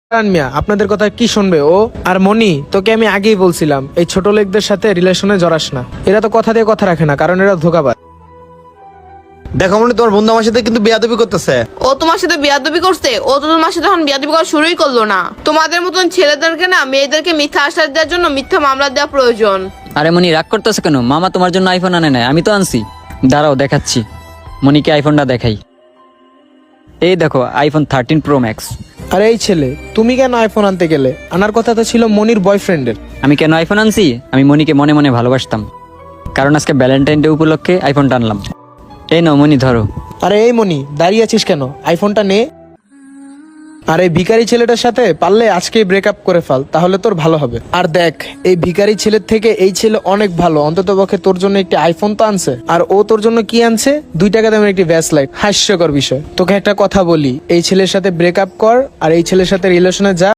মিয়া আপনাদের কথা কি শুনবে ও? আর মনি, তোকে আমি আগেই বলছিলাম এই ছোট লোকদের সাথে রিলেশনে জড়াস না। এরা তো কথা দিয়ে কথা রাখে না, কারণ এরা ধোঁকাবাজ। দেখো মনে তোমার বন্ধু আমার সাথে কিন্তু বেয়াদবি করতেছে। ও তোমার সাথে বিয়াদবি করছে? ও তো তোমার সাথে এখন বিয়াদবি করা শুরুই করলো না। তোমাদের মতন ছেলেদেরকে না মেয়েদেরকে মিথ্যা আশ্বাস দেওয়ার জন্য মিথ্যা মামলা দেওয়া প্রয়োজন। আরে মনি রাগ করতেছে কেন? মামা তোমার জন্য আইফোন আনে নাই, আমি তো আনছি। দাঁড়াও দেখাচ্ছি, মনিকে আইফোনটা দেখাই। এই দেখো আইফোন 13 প্রো ম্যাক্স। আর এই ছেলে, তুমি কেন আইফোন আনতে গেলে? আনার কথা তো ছিল মনির বয়ফ্রেন্ডের। আমি কেন আইফোন আনছি? আমি মনিকে মনে মনে ভালোবাসতাম, কারণ আজকে ভ্যালেন্টাইন ডে উপলক্ষে আইফোনটা আনলাম। এই নাও মনি, ধরো। আরে এই মনি, দাঁড়িয়ে আছিস কেন? আইফোনটা নে। আর এই ভিখারি ছেলেটার সাথে পারলে আজকেই ব্রেকআপ করে ফেল, তাহলে তোর ভালো হবে। আর দেখ, এই ভিখারি ছেলের থেকে এই ছেলে অনেক ভালো, অন্তত পক্ষে তোর জন্য একটি আইফোন তো আনছে। আর ও তোর জন্য কি আনছে? 2 টাকা দামের একটি ব্যাসলাইট। হাস্যকর বিষয়। তোকে একটা কথা বলি, এই ছেলের সাথে ব্রেকআপ কর আর এই ছেলের সাথে রিলেশনে যা।